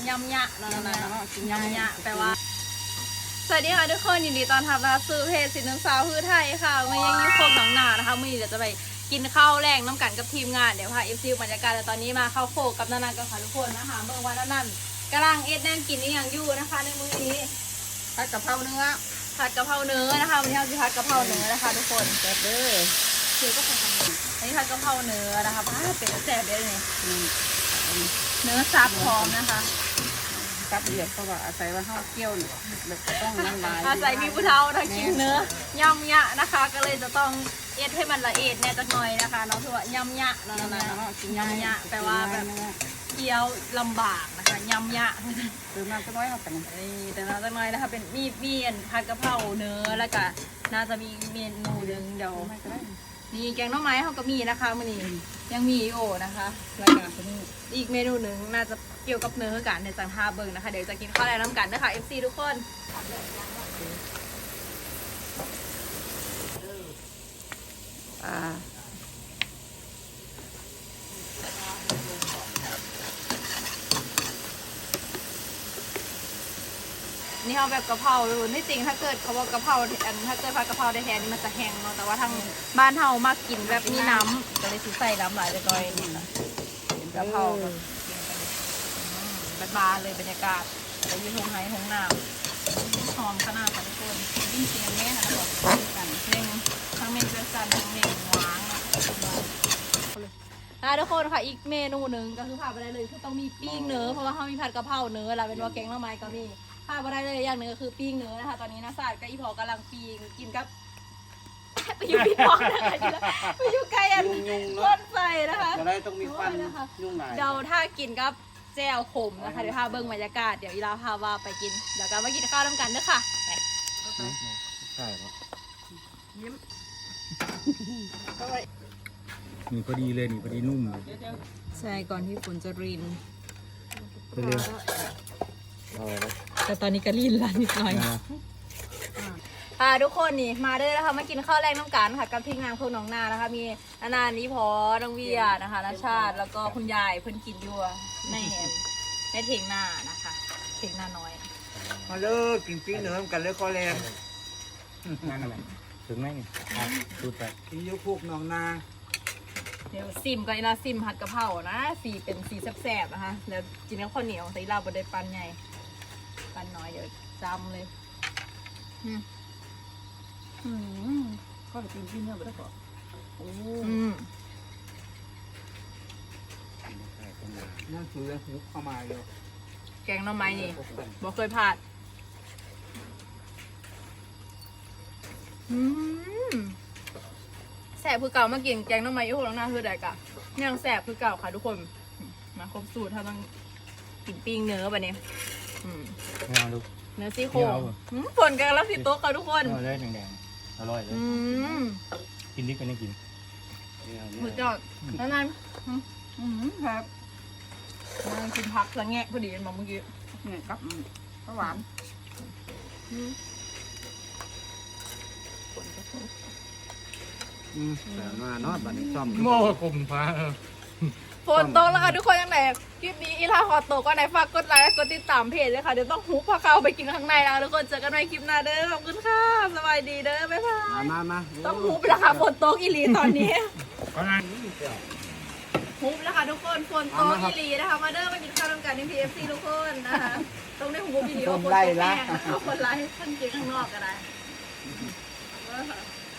ยำยะนั่นยำยะแปลว่าสวัสดีค่ะทุกคนยินดีต้อนรับนะคะสู่เพจสินน้ำสาวพื้นไทยค่ะมันยังอยู่ครบหนองหนานะคะมื่อนี้เดี๋ยวจะไปกินข้าวแรงน้ำกันกับทีมงานเดี๋ยวพาFCบรรยากาศแต่ตอนนี้มาเข้าโคกับนันกันค่ะทุกคนนะคะเมื่อวันนั้นกำลังเอ็ดแน่นกินนี่อย่างอยู่นะคะในมื้อนี้ผัดกะเพราเนื้อนะคะวันนี้เราจะผัดกะเพราเนื้อนะคะทุกคนแซ่บเด้อคือก็ผัดกะเพราอันนี้ผัดกะเพราเนื้อนะคะเป็นแซ่บเลยนี่เนื้อซับพร้อมนะคะซับเดือดเพราะว่าอาศัยว่าข้าวเกี่ยวเนี่ยแบบต้องน้ำลายอาศัยมีผู้เฒ่าถ้ากินเนื้อยำยะนะคะ ก็เลยจะต้องเอ็ดให้มันละเอียดแน่จักหน่อยนะคะเนาะคือยำยะนั่นยำยะแปลว่าแบบเคี้ยวลำบากนะคะยำยะคือมาสักน้อยเอาไปแต่น่าจะน้อยนะคะเป็นมีผัดกะเพราเนื้อแล้วก็น่าจะมีเมนูหนึ่งเดี๋ยวนี่แกงหน่อไม้เขาก็มีนะคะมื้อนี้ยังมีอยู่นะคะแล้วก็อีกเมนูหนึ่งน่าจะเกี่ยวกับเนื้อกันในจังท่าเบิ่งนะคะเดี๋ยวจะกินข้าวแรงน้ำกันนะคะ FC ทุกคนนี่เขาแบบกะเพราเลยที่จริงถ้าเกิดเขาว่ากะเพราถ้าเกิดผัดกะเพราได้แทนนี่มันจะแห้งเนาะแต่ว่าทางบ้านเฮามากกินแบบมีน้ำก็เลยใส่น้ำหลายเลยก้อยนี่นะเป็นกะเพราบานๆเลยบรรยากาศแล้วยืนหงไห้หงน้ำหอมขนาดค่ะทุกคนยิ่งเสียงแม่นะบอกกันเพลงทั้งเมนเจสันทั้งเมนหวานทุกคนค่ะอีกเมนูหนึ่งก็คือผ่านไปได้เลยคือต้องมีปิ้งเนื้อเพราะว่าเขามีผัดกะเพราเนื้อแล้วเป็นว่าแกงหน่อไม้ก็มีผ่านไปได้เลยอย่างหนึ่งก็คือปิ้งเนื้อนะคะตอนนี้นะศาสตร์กับอีพอกำลังปิ้งกินกับไปอยู่พี่พอนะคะไปอยู่ใกล้อันก้นไฟนะคะจะได้ต้องมีควันยุ่งหน่อยเดี๋ยวถ้ากินกับแจ่วขมนะคะเดี๋ยวพาเบิ้งบรรยากาศเดี๋ยวอีลาพาว่าไปกินเดี๋ยวกันมากินข้าวน้ำกันด้วยค่ะใช่ครับยิ้มนี่พอดีเลยนี่พอดีนุ่มใช่ก่อนที่ฝนจะรินไปเร็วแต่ตอนนี้ก็รินแล้วนิดหน่อยทุกคนนี่มาด้วยนะคะมากินข้าวแรงน้ำกันค่ะกับทีมงานพวกน้องนานะคะมีนานี้พอน้องเวียนะคะนาชาติแล้วก็คุณยายเพิ่นกินอยู่ในเถียงนานะคะเถียงนาน้อยมาเลิกกินปิ้งเนื้อกันเลยคอแรงนั่นอะไรถึงไหมนี่พูดไปกินยุคุกน้องนาเดี๋ยวซิมก็อีลาซิมผัดกะเพรานะสีเป็นสีแซ่บๆนะคะแล้วกินกับข้าวเหนียวใส่ลาบดปันใหญ่ปันน้อยเดี๋ยวจำเลยก็จะกินปิ้งเนื้อไปแล้วก็นั่นคือหุบเข้ามาเลยแกงหน่อไม้นี่บอกเคยผัดแสบคือเก่ามากินแกงหน่อไม้ยุคหลังหน้าคือใดกะยังแสบคือเก่าค่ะทุกคนมาครบสูตรถ้าต้องกินปิ้งเนื้อแบบนี้เนื้อซี่โครงฝนกันแล้วสิโต๊ะค่ะทุกคนเลยแดงๆอร่อยเลยกินดิบกันได้กินหมูจอดแล้วนั่นครับกินผักละแงะพอดีเมื่อกี้เนี่ยครับข้าวหวานแต่มาเนาะบัดนี้ซ่อมโม่กลุ่มฟ้าฝนตกแล้วค่ะทุกคนยังไงคลิปนี้อีลาขอตกก็ไหนฝากกดไลค์กดติดตามเพจเลยค่ะเดี๋ยวต้องหุบพาเข้าไปกินข้างในแล้วทุกคนเจอกันในคลิปหน้าเด้อขอบคุณค่ะสบายดีเด้อบ๊ายบายมาต้องหุบแล้วค่ะฝนตกอีหลีตอนนี้หุบแล้วค่ะทุกคนฝนตกอีหลีนะคะมาเด้อมากินข้าวร่วมกันใน PFC ทุกคนนะคะต้องได้หุบอีหลีว่าฝนตกแน่คนไลค์ท่านกินข้างนอกก็ได้